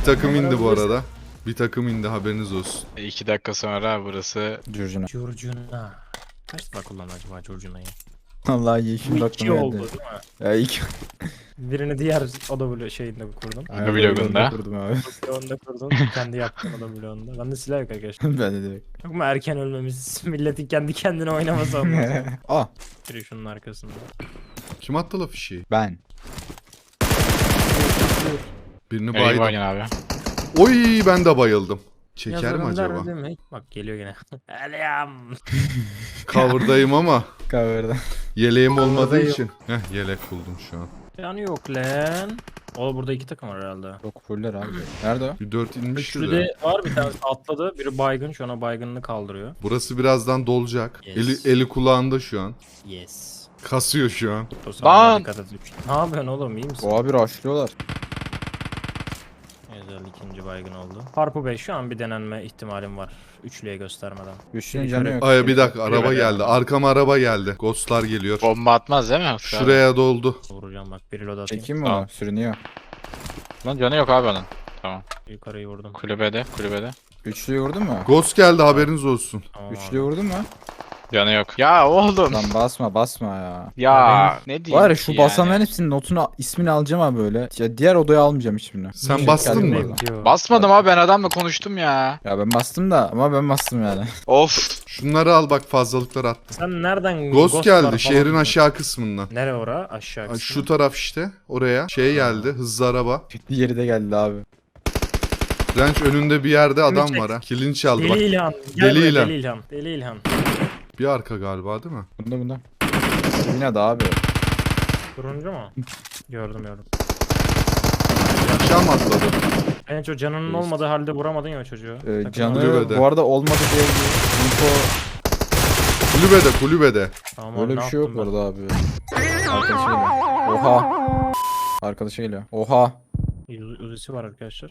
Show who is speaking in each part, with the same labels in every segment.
Speaker 1: takım indi bu arada. Bir takım indi, haberiniz olsun.
Speaker 2: 2 dakika sonra burası
Speaker 3: Curcuna.
Speaker 4: Curcuna. Kaç defa kullandı acaba Curcuna'yı?
Speaker 3: Vallahi iyi şimdi
Speaker 4: İki
Speaker 3: aklıma
Speaker 4: oldu
Speaker 3: geldi.
Speaker 4: değil mi?
Speaker 3: Ya ilk.
Speaker 4: Birini diğer oda bloğu şeyinde kurdum.
Speaker 2: vlogunda.
Speaker 3: Kurdum abi.
Speaker 4: Bloğunda kurdum. Kendi yaptım oda bloğunda. Bende silah yok arkadaşlar.
Speaker 3: Ben de direkt.
Speaker 4: Yok mu erken ölmemiz? Milletin kendi kendine oynaması olmaz.
Speaker 3: Ah
Speaker 4: Biri şunun arkasında.
Speaker 1: Kim attı la fişeği?
Speaker 3: ben.
Speaker 1: Birini
Speaker 2: nereye
Speaker 1: baydım.
Speaker 2: bayın abi?
Speaker 1: Oy, ben de bayıldım. Çeker mi
Speaker 4: Yazarım
Speaker 1: acaba?
Speaker 4: der mi? Bak geliyor yine. Elim.
Speaker 1: Cover'dayım ama
Speaker 3: Cover'da.
Speaker 1: yeleğim olmadığı
Speaker 4: Cover'dayım.
Speaker 1: için. Heh, yelek buldum şu an.
Speaker 4: Canı yok lan. O burada 2 takım var herhalde.
Speaker 3: Çok fuller abi. Nerede o?
Speaker 1: Bir 4 inmişti
Speaker 4: Üçlü
Speaker 1: de.
Speaker 4: de var, bir tanesi atladı. Biri baygın, şu an baygınını kaldırıyor.
Speaker 1: Burası birazdan dolacak.
Speaker 4: Yes.
Speaker 1: Eli kulağında şu an.
Speaker 4: Yes.
Speaker 1: Kasıyor şu an.
Speaker 4: O sana
Speaker 2: Lan!
Speaker 4: dikkat et. Ne yapıyorsun oğlum, iyi misin?
Speaker 3: O abi rushlıyorlar.
Speaker 4: Güzel, ikinci baygın oldu. Harpu Bey, şu an bir denenme ihtimalim var. Üçlüye göstermeden.
Speaker 3: Güçlünün canı yok.
Speaker 1: Ay bir dakika, araba
Speaker 4: Kulübede.
Speaker 1: geldi. Arkama araba geldi. Ghostlar geliyor.
Speaker 2: Bomba atmaz değil mi?
Speaker 1: Şuraya doldu.
Speaker 4: Vuracağım bak, bir reload atayım.
Speaker 3: Çekeyim mi
Speaker 2: Tamam.
Speaker 3: onu? Sürünüyor.
Speaker 2: Lan canı yok abi onun. Tamam.
Speaker 4: Yukarıyı vurdum.
Speaker 2: Kulübede.
Speaker 3: Üçlüyü vurdun mu?
Speaker 1: Ghost geldi, haberiniz olsun.
Speaker 4: Tamam
Speaker 3: Üçlüyü
Speaker 4: abi.
Speaker 3: vurdun mu?
Speaker 2: Canı yok. Ya oğlum.
Speaker 3: Lan basma ya.
Speaker 2: Ya ne diyeyim
Speaker 3: Var ya
Speaker 2: ki
Speaker 3: şu
Speaker 2: yani?
Speaker 3: basanların hepsinin notunu ismini alacağım abi böyle. Ya diğer odaya almayacağım hiçbirini.
Speaker 1: Sen
Speaker 3: Şey
Speaker 1: bastın
Speaker 3: geldi
Speaker 1: mı?
Speaker 3: bu arada.
Speaker 4: Diyor.
Speaker 2: Basmadım abi, ben adamla konuştum ya.
Speaker 3: Ya ben bastım da ama ben bastım yani.
Speaker 2: Of.
Speaker 1: Şunları al bak, fazlalıklar attım.
Speaker 4: Sen nereden
Speaker 1: Ghost
Speaker 4: var
Speaker 1: geldi
Speaker 4: falan
Speaker 1: şehrin
Speaker 4: diyorsun?
Speaker 1: aşağı kısmından.
Speaker 4: Nere ora? Aşağı
Speaker 1: Ay,
Speaker 4: kısmı.
Speaker 1: şu taraf işte, oraya. Şey geldi, hızlı araba.
Speaker 3: Diğeri de geldi abi.
Speaker 1: Ranch önünde bir yerde adam
Speaker 4: çek.
Speaker 1: var ha. Kilini çaldı
Speaker 4: Deli
Speaker 1: bak.
Speaker 4: İlhan. Gel
Speaker 1: Deli
Speaker 4: buraya,
Speaker 1: İlhan.
Speaker 4: Deli İlhan. Deli İlhan.
Speaker 1: Bir arka galiba değil mi?
Speaker 3: Bunda. Yine de abi.
Speaker 4: Turuncu mu? Gördüm.
Speaker 1: Aşağı mı atladı?
Speaker 4: En çok canının
Speaker 3: Değişti.
Speaker 4: olmadığı halde vuramadın ya o çocuğu. Takım
Speaker 3: Canı
Speaker 1: Kulübede.
Speaker 3: bu arada olmadı diye bir info
Speaker 1: Kulübede.
Speaker 4: Tamam, abi,
Speaker 3: böyle bir
Speaker 4: ne
Speaker 3: şey yok
Speaker 4: yaptım
Speaker 3: bu arada abi. Arkadaşı geliyor. Oha. Arkadaşı geliyor. Oha.
Speaker 4: ben? Uzisi var arkadaşlar.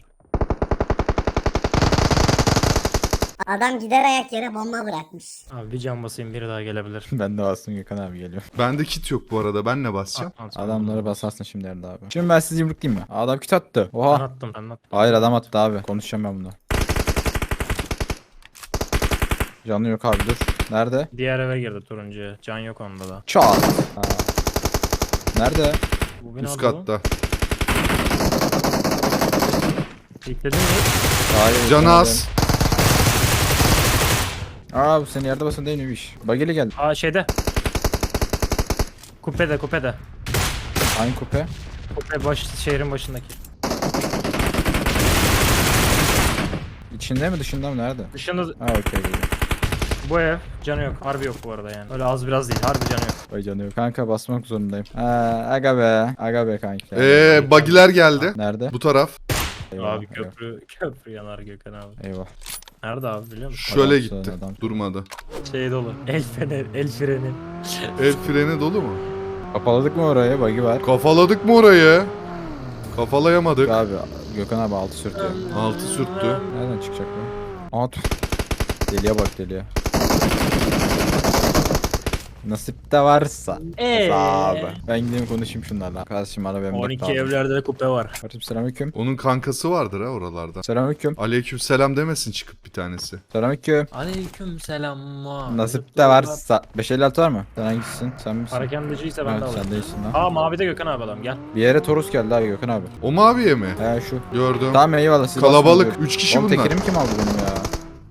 Speaker 5: Adam gider ayak yere bomba bırakmış.
Speaker 4: Abi bir can basayım, biri daha gelebilir.
Speaker 3: Ben de bastım, Gökhan abi geliyor.
Speaker 1: Bende kit yok bu arada, ben ne basacağım?
Speaker 3: Adamları basarsın şimdi Erde abi. Şimdi ben sizi yumruklayayım mı? Adam küt attı.
Speaker 4: Ben
Speaker 3: Oha.
Speaker 4: attım.
Speaker 3: Hayır adam attı abi. Konuşacağım ben bunu. Canı yok abi dur. Nerede?
Speaker 4: Diğer eve girdi turuncuya. Can yok onda da.
Speaker 3: Çat. Ha. Nerede?
Speaker 4: Bu binada
Speaker 1: Üst
Speaker 4: bu.
Speaker 1: katta.
Speaker 4: Yükledin mi?
Speaker 3: Hayır.
Speaker 1: Canı
Speaker 3: canı
Speaker 1: az.
Speaker 3: Aa bu senin yerde basın değil miymiş? Bageli geldi.
Speaker 4: Aa şeyde. Kupede.
Speaker 3: Aynı kupe.
Speaker 4: Kupe şehrin başındaki.
Speaker 3: İçinde mi dışında mı nerede?
Speaker 4: Dışında
Speaker 3: Ha okey geliyor.
Speaker 4: bu ev canı yok. Harbi yok bu arada yani. Öyle az biraz değil. Harbi canı yok.
Speaker 3: Vay canı yok. Kanka basmak zorundayım. Aga be. Aga be kanka.
Speaker 1: Bagiler geldi.
Speaker 3: Nerede?
Speaker 1: Bu taraf.
Speaker 3: Eyvah,
Speaker 4: Abi köprü yanar Gökhan abi.
Speaker 3: Eyvah.
Speaker 4: Nerede abi biliyor musun?
Speaker 1: Şöyle
Speaker 3: Adam
Speaker 1: gitti.
Speaker 3: adam.
Speaker 1: Durmadı.
Speaker 4: Şey dolu. El freni.
Speaker 1: El freni dolu mu?
Speaker 3: Kapaladık mı orayı? Bagi var.
Speaker 1: Kafaladık mı orayı? Kafalayamadık.
Speaker 3: Abi Gökhan abi altı sürtüyor.
Speaker 1: Altı sürttü.
Speaker 3: Nereden çıkacak bu? Aa deliye bak deliye. Nasip de varsa. Abi. Ben gideyim konuşayım şunlarla. Kardeşim bana benim
Speaker 4: 12 evlerde de kupe var.
Speaker 3: Kardeşim selamünaleyküm.
Speaker 1: Onun kankası vardır ha oralarda.
Speaker 3: Selamünaleyküm.
Speaker 1: Aleykümselam demesin çıkıp bir tanesi.
Speaker 3: Selamünaleyküm.
Speaker 4: Aleyküm selam.
Speaker 3: Nasip de varsa. 556 var mı? Sen hangisisin? Sen misin?
Speaker 4: Harekendiciyse ben de
Speaker 3: Evet,
Speaker 4: alayım.
Speaker 3: sen değilsin lan.
Speaker 4: Aa mavide Gökhan abi adam gel.
Speaker 3: Bir yere Torus geldi abi Gökhan abi.
Speaker 1: O maviye mi?
Speaker 3: He şu.
Speaker 1: Gördüm.
Speaker 3: Tamam eyvallah siz
Speaker 1: Kalabalık.
Speaker 3: basın.
Speaker 1: 3 kişi
Speaker 3: Oğlum
Speaker 1: bunlar.
Speaker 3: tekerim kim aldı benim ya?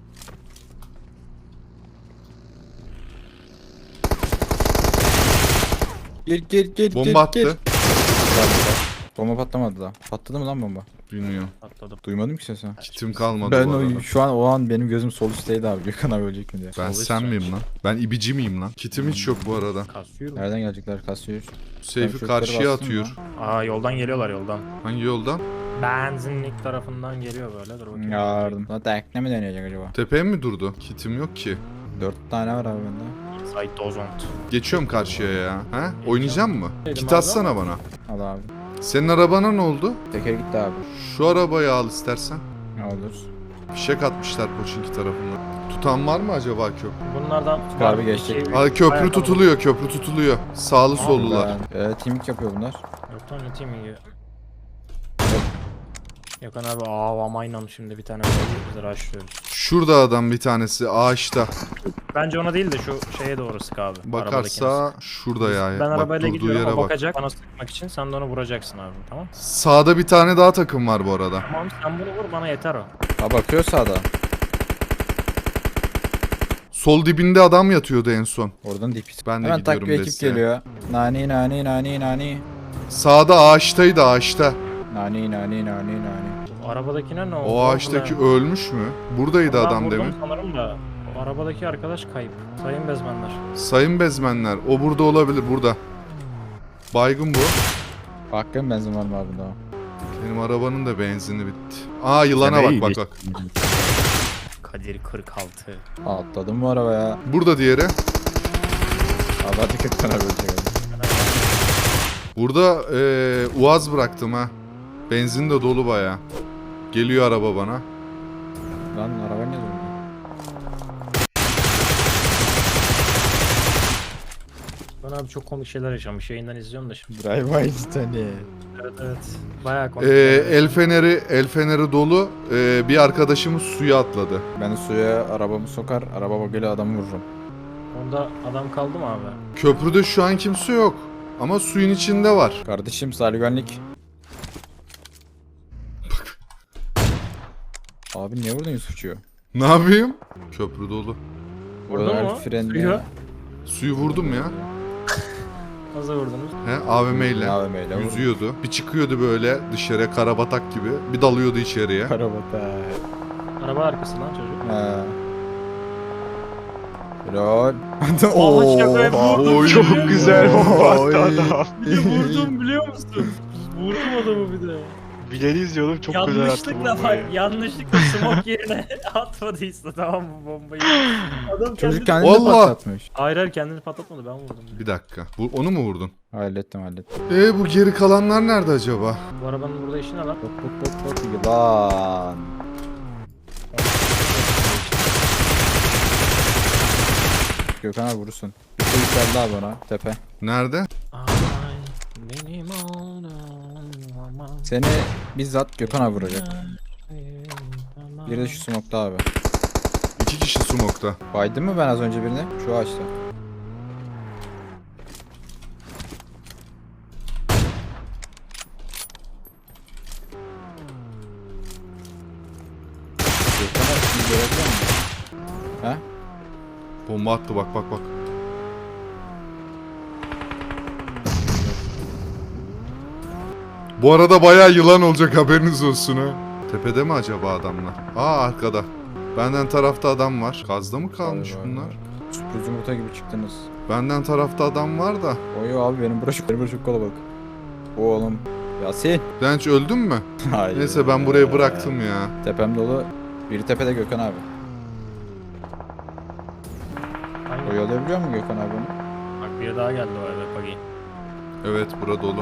Speaker 3: Gel.
Speaker 1: Bomba attı.
Speaker 3: Bomba patlamadı da. Patladı mı lan bomba?
Speaker 1: Bilmiyorum.
Speaker 4: Atladım.
Speaker 3: Duymadım ki sesi.
Speaker 1: Kitim kalmadı
Speaker 3: Ben
Speaker 1: bu arada.
Speaker 3: şu an o an benim gözüm sol üstteydi abi. Gökhan abi ölecek mi diye.
Speaker 1: Ben
Speaker 4: Sol
Speaker 1: sen
Speaker 4: üst
Speaker 1: miyim
Speaker 4: range.
Speaker 1: lan? Ben ibici miyim lan? Kitim hiç yok bu arada.
Speaker 4: Kasıyorum.
Speaker 3: Nereden gelecekler? Kasıyor.
Speaker 1: Seyfi
Speaker 3: çocukları
Speaker 1: karşıya
Speaker 3: bastım
Speaker 1: atıyor.
Speaker 4: Aa yoldan geliyorlar yoldan.
Speaker 1: Hangi yoldan?
Speaker 4: Benzinlik tarafından geliyor böyle. Dur bakayım.
Speaker 3: Yardım. Lan tekne mi deneyecek acaba?
Speaker 1: Tepeye mi durdu? Kitim yok ki.
Speaker 3: 4 tane var abi bende.
Speaker 4: Site Dozont.
Speaker 1: Geçiyorum karşıya ya. Ha? Oynayacak mı?
Speaker 4: Dedim
Speaker 1: Kit
Speaker 4: abi
Speaker 1: atsana bana.
Speaker 3: Al abi.
Speaker 1: Senin arabana ne oldu?
Speaker 3: Teker gitti abi.
Speaker 1: Şu arabayı al istersen.
Speaker 3: Ne olur.
Speaker 1: Fişek atmışlar Poçinki tarafından. Tutan var mı acaba köprü?
Speaker 4: Bunlardan
Speaker 3: Abi geçecek.
Speaker 1: Aa, köprü tutuluyor, köprü tutuluyor. Sağlı sollular.
Speaker 3: Teaming yapıyor bunlar.
Speaker 4: Yok lan ne teaming ya. Gökhan abi avamayla şimdi bir tane biz rushlıyoruz.
Speaker 1: Şurada adam bir tanesi ağaçta.
Speaker 4: Bence ona değil de şu şeye doğru sık abi.
Speaker 1: Bakarsa şurada ya.
Speaker 4: Ben
Speaker 1: Bak,
Speaker 4: arabayla
Speaker 1: durduğu
Speaker 4: gidiyorum,
Speaker 1: yere
Speaker 4: o
Speaker 1: bak.
Speaker 4: bakacak bana sıkmak için, sen de onu vuracaksın abi, tamam?
Speaker 1: Sağda bir tane daha takım var bu arada.
Speaker 4: Tamam, sen bunu vur, bana yeter o.
Speaker 3: Ha bakıyor sağda.
Speaker 1: Sol dibinde adam yatıyordu en son.
Speaker 3: Oradan dip.
Speaker 1: Ben de
Speaker 3: Hemen tak
Speaker 1: gidiyorum
Speaker 3: bir ekip
Speaker 1: desteğe.
Speaker 3: geliyor. Nani nani nani nani.
Speaker 1: Sağda ağaçtaydı ağaçta.
Speaker 3: Nani nani nani nani.
Speaker 4: O arabadakine ne oldu?
Speaker 1: O ağaçtaki ölmüş mü? Buradaydı
Speaker 4: Ondan
Speaker 1: adam
Speaker 4: vurdum
Speaker 1: demin.
Speaker 4: sanırım da o arabadaki arkadaş kayıp. Sayın bezmenler.
Speaker 1: Sayın bezmenler o burada olabilir burada. Baygın bu.
Speaker 3: Bakın benzin var mı abi daha?
Speaker 1: Benim arabanın da benzini bitti. Aa yılana bak bak bak.
Speaker 4: Kadir 46.
Speaker 3: Atladım bu arabaya.
Speaker 1: Burada diğeri.
Speaker 3: Abi hadi 40 tane bölecek.
Speaker 1: Burada uaz bıraktım ha. Benzin de dolu baya. Geliyor araba bana.
Speaker 3: Lan araba ne durdu?
Speaker 4: Ben abi çok komik şeyler yaşamış. Yayından izliyorum da şimdi.
Speaker 3: Drive by tane.
Speaker 4: Evet evet. Bayağı komik. şeyler.
Speaker 1: El feneri dolu. Bir arkadaşımız suya atladı.
Speaker 3: Ben suya arabamı sokar, araba bagajıyla adamı vururum.
Speaker 4: Onda adam kaldı mı abi?
Speaker 1: Köprüde şu an kimse yok. Ama suyun içinde var.
Speaker 3: Kardeşim sahil güvenlik. Abi niye vurdun Yusufçuğu?
Speaker 1: Ne yapayım? Köprü dolu.
Speaker 4: Vurdun mu?
Speaker 3: Frenle.
Speaker 4: Suyu.
Speaker 1: Suyu vurdum ya.
Speaker 4: Nasıl vurdunuz?
Speaker 1: He, AVM ile.
Speaker 3: AVM'yle vurdum.
Speaker 1: Yüzüyordu. Bir çıkıyordu böyle dışarıya karabatak gibi. Bir dalıyordu içeriye.
Speaker 3: Arabada.
Speaker 4: Araba arkası lan çocuk.
Speaker 3: He. Lol.
Speaker 4: Aa, şakaya vurdum.
Speaker 1: Oy.
Speaker 2: Çok güzel bomba attı
Speaker 1: Oy.
Speaker 2: adam.
Speaker 4: Bir de vurdum biliyor musun? Vurdum adamı bir de.
Speaker 2: Bileni izliyordum çok güzel attı
Speaker 4: Yanlışlıkla
Speaker 2: bombayı.
Speaker 4: bak, yanlışlıkla smoke yerine atmadıysa tamam mı bombayı? Adam
Speaker 3: Çocuk
Speaker 4: kendini...
Speaker 3: kendini
Speaker 1: Vallahi.
Speaker 3: patlatmış.
Speaker 4: Hayır hayır, kendini patlatmadı, ben vurdum.
Speaker 1: Bir dakika. Onu mu vurdun?
Speaker 3: Hallettim.
Speaker 1: Bu geri kalanlar nerede acaba?
Speaker 4: Bu arabanın burada işi ne lan?
Speaker 3: Hop yılan. Gökhan abi vurursun. Yukarı yükseldi abi ona tepe.
Speaker 1: Nerede?
Speaker 4: Ay, benim oğlum aman.
Speaker 3: Seni bizzat Gökhan abi vuracak. Biri de şu smokta abi.
Speaker 1: 2 kişi smoke'ta.
Speaker 3: Baydım mı ben az önce birini? Şu ağaçta. Gökhan abi şimdi görebiliyor musun? He?
Speaker 1: Bomba attı bak bak bak. Bu arada bayağı yılan olacak haberiniz olsun ha. Tepede mi acaba adamlar? Aa arkada. Benden tarafta adam var. Gazda mı kalmış
Speaker 3: Var, var,
Speaker 1: bunlar?
Speaker 3: var. Sürpriz yumurta gibi çıktınız.
Speaker 1: Benden tarafta adam var da.
Speaker 3: Oy abi benim burası çok kalabalık. Oğlum. Yasin.
Speaker 1: Denç öldün mü?
Speaker 3: Hayır.
Speaker 1: Neyse ben burayı bıraktım ya.
Speaker 3: Tepem dolu. Biri tepede Gökhan abi.
Speaker 4: Hangi?
Speaker 3: Oyalayabiliyor mu Gökhan abi onu?
Speaker 4: Bak biri daha geldi o arada Pagi.
Speaker 1: Evet bura dolu.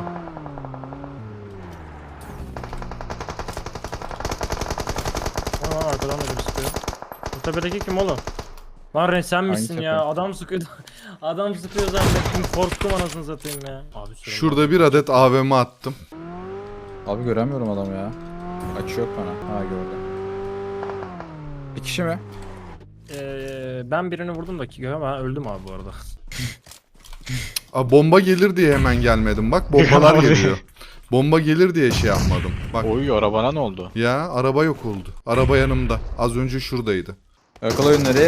Speaker 4: Aa, arkadan da biri sıkıyor. Bu tepedeki kim oğlum? Lan Ren sen misin
Speaker 3: tepe?
Speaker 4: ya? Adam sıkıyor. Adam sıkıyor zannettim. Korktum anasını satayım ya. Abi sürüm.
Speaker 1: Şurada bir adet AVM attım.
Speaker 3: Abi göremiyorum adamı ya. Açı yok bana. Ha gördüm. Bir kişi mi?
Speaker 4: Ben birini vurdum da ki ben öldüm abi bu arada.
Speaker 1: Aa, bomba gelir diye hemen gelmedim. Bak bombalar geliyor. Bomba gelir diye şey yapmadım. Bak
Speaker 2: Oy arabana ne oldu?
Speaker 1: ya araba yok oldu. Araba yanımda. Az önce şuradaydı.
Speaker 3: Yakala oyunları.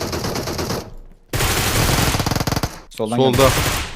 Speaker 3: Soldan
Speaker 1: Solda.
Speaker 3: geldi.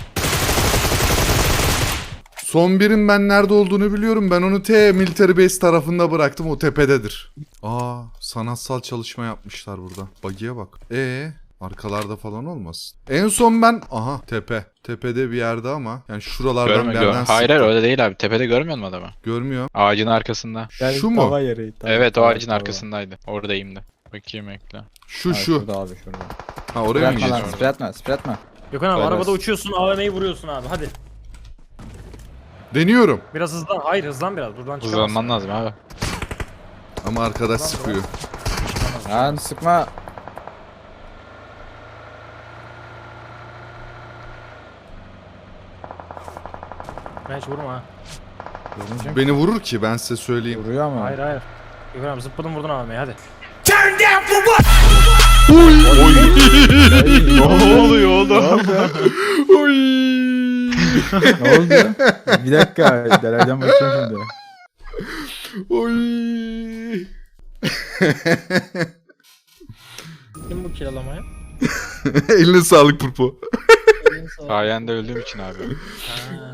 Speaker 1: Son birin ben nerede olduğunu biliyorum. Ben onu Military Base tarafında bıraktım. O tepededir. Aa, sanatsal çalışma yapmışlar burada. Bagiye bak. Arkalarda falan olmasın. En son ben... Aha tepe. Tepede bir yerde ama. Yani şuralardan bir yerden
Speaker 2: Hayır
Speaker 1: sıktı.
Speaker 2: öyle değil abi. Tepede görmüyor musun adamı?
Speaker 1: Görmüyorum.
Speaker 2: Ağacın arkasında.
Speaker 1: Şu mu?
Speaker 3: Tava yeri,
Speaker 2: Evet o
Speaker 3: tava,
Speaker 2: ağacın
Speaker 3: tava.
Speaker 2: arkasındaydı. Oradayım da. Bakayım ekle.
Speaker 1: Şu
Speaker 3: Ha,
Speaker 1: şu.
Speaker 3: Şurada abi şurada.
Speaker 1: Ha oraya mı
Speaker 3: Spratma lan
Speaker 1: geçiyorsun?
Speaker 3: spratma spratma.
Speaker 4: Gökhan abi
Speaker 3: Helal
Speaker 4: arabada
Speaker 3: olsun.
Speaker 4: uçuyorsun, AVM'yi vuruyorsun abi hadi.
Speaker 1: Deniyorum.
Speaker 4: Biraz hızlan. Hayır hızlan biraz. Buradan çıkamazsın.
Speaker 2: Hızlanman lazım abi.
Speaker 1: Ama arkadaş sıkıyor.
Speaker 3: Lan sıkma.
Speaker 4: Ben hiç vurma ha.
Speaker 3: Görünecek.
Speaker 1: Beni vurur ki ben size söyleyeyim.
Speaker 3: Vuruyor ama.
Speaker 4: Hayır hayır. Gökhan abi zıpladın vurdun AVM'yi hadi.
Speaker 2: Ne oluyor oğlum?
Speaker 1: Oy.
Speaker 3: Ne oldu? Bir dakika. Delaydan bakacağım şimdi.
Speaker 1: Oy.
Speaker 4: Kim bu kiralamaya?
Speaker 1: Eline sağlık Purpo.
Speaker 2: Sayende öldüğüm için abi.
Speaker 4: Ha.